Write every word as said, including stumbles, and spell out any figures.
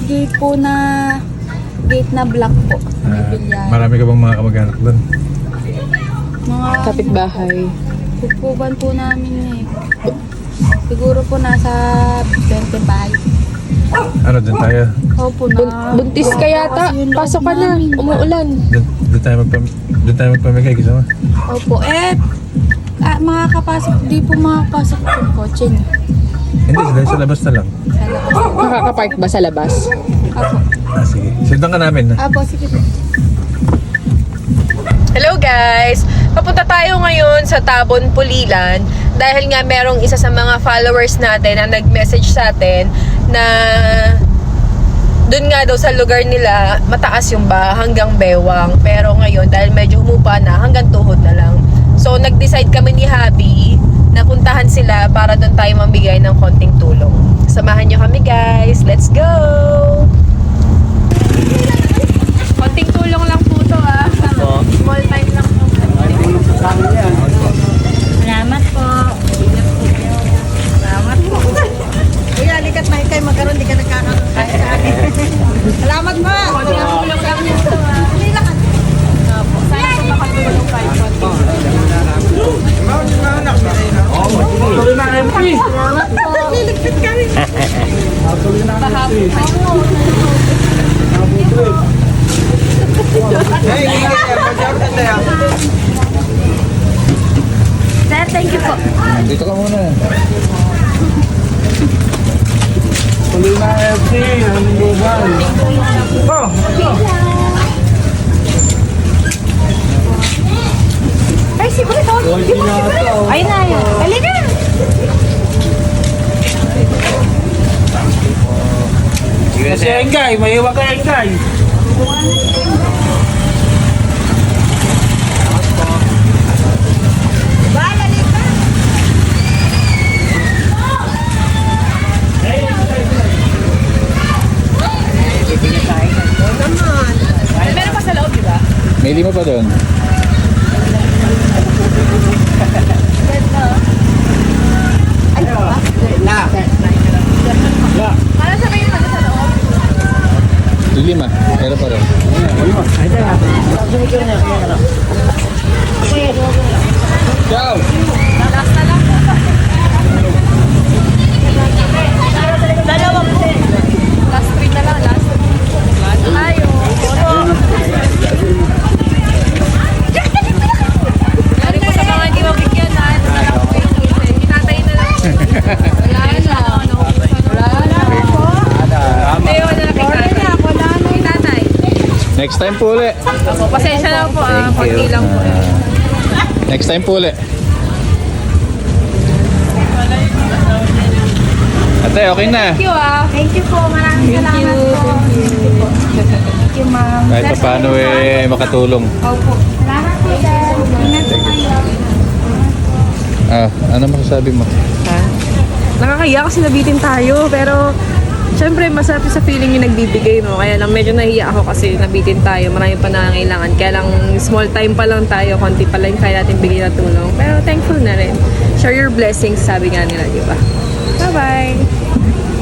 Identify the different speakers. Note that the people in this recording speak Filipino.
Speaker 1: gate po na gate na black po. May
Speaker 2: Ah,
Speaker 1: bilyaran.
Speaker 2: marami ka bang mga kamag-anak doon?
Speaker 1: Mga
Speaker 3: Kapitbahay.
Speaker 1: pupuban po namin eh. Siguro po nasa twenty-five.
Speaker 2: Ano, doon tayo?
Speaker 1: Opo
Speaker 3: Bun-
Speaker 1: na.
Speaker 3: buntis ka yata.
Speaker 1: Kasi yung loob
Speaker 3: Pasok ka na.
Speaker 1: namin.
Speaker 3: Umuulan.
Speaker 2: Doon, doon tayo magpam doon tayo magpamigay, gusto mo?
Speaker 1: Opo. Eh, ah, makakapasok. Di po makakapasok yung kotse niyo.
Speaker 2: Hindi, dahil sa labas na lang.
Speaker 1: Sa labas.
Speaker 3: Makakapark ba sa labas?
Speaker 1: Opo.
Speaker 2: Ah, sige. Sundan ka namin, ha?
Speaker 1: Opo, sige po.
Speaker 3: Hello guys! Papunta tayo ngayon sa Tabon, Pulilan dahil nga merong isa sa mga followers natin na nag-message sa atin na dun nga daw sa lugar nila mataas yung ba hanggang bewang, pero ngayon dahil medyo humupa na hanggang tuhod na lang. So nag-decide kami ni Habi na puntahan sila para dun tayo mambigay ng konting tulong. Samahan nyo kami guys! Let's go! Konting tulong lang po to ah. Small time lang po.
Speaker 1: Salamat po.
Speaker 4: Salamat po. Kuya, likat na ikay magkaroon, di ka nagkakakain sa akin. Salamat po.
Speaker 3: Konting tulong lang po to ah. Sana po makatulong kayo konting.
Speaker 4: Liligpit kami.
Speaker 3: Pahapon.
Speaker 1: Sir, thank you po.
Speaker 2: Dito ka muna.
Speaker 5: Kulina F C, ang global. Oh,
Speaker 1: Ay, siguro ito. Ay, na yun. Halika.
Speaker 5: kasi Engay, may iwan ka Engay.
Speaker 3: Meron pa sa loob, di ba?
Speaker 2: May lima pa doon.
Speaker 3: Para sa kayo na sa loob.
Speaker 2: Lima. Meron pa rin. Ciao!
Speaker 3: Last na lang.
Speaker 1: Dalawa po.
Speaker 3: Last three na lang. Last. Last tayo. Sorry po sa mga hindi mabigyan ha. Nasarap po yung tulse. Hinatay na lang. Wala na. Wala na. Hindi, wala na kay tatay. Kay tatay.
Speaker 2: Next time po ulit.
Speaker 3: Ako, pasensya na po ah. Konti lang po.
Speaker 2: Next time po ulit. Ate, okay na.
Speaker 3: Thank you ah.
Speaker 1: Thank you po. Maraming salamat po. Thank you, ma'am.
Speaker 2: Kahit pa paano eh makatulong.
Speaker 1: Opo. Salamat po, sir. Ingat po kayo.
Speaker 2: Ah, ano masasabi mo?
Speaker 3: Ha? Nakakaya kasi nabitin tayo, pero syempre masarap sa feeling yung nagbibigay mo. Kaya lang medyo nahiya ako kasi nabitin tayo. Marami pa nangangailangan. Kaya lang small time pa lang tayo. Konti pa lang kaya natin bigay na tulong. Pero thankful na rin. Share your blessings, sabi nga nila, di ba? Bye-bye!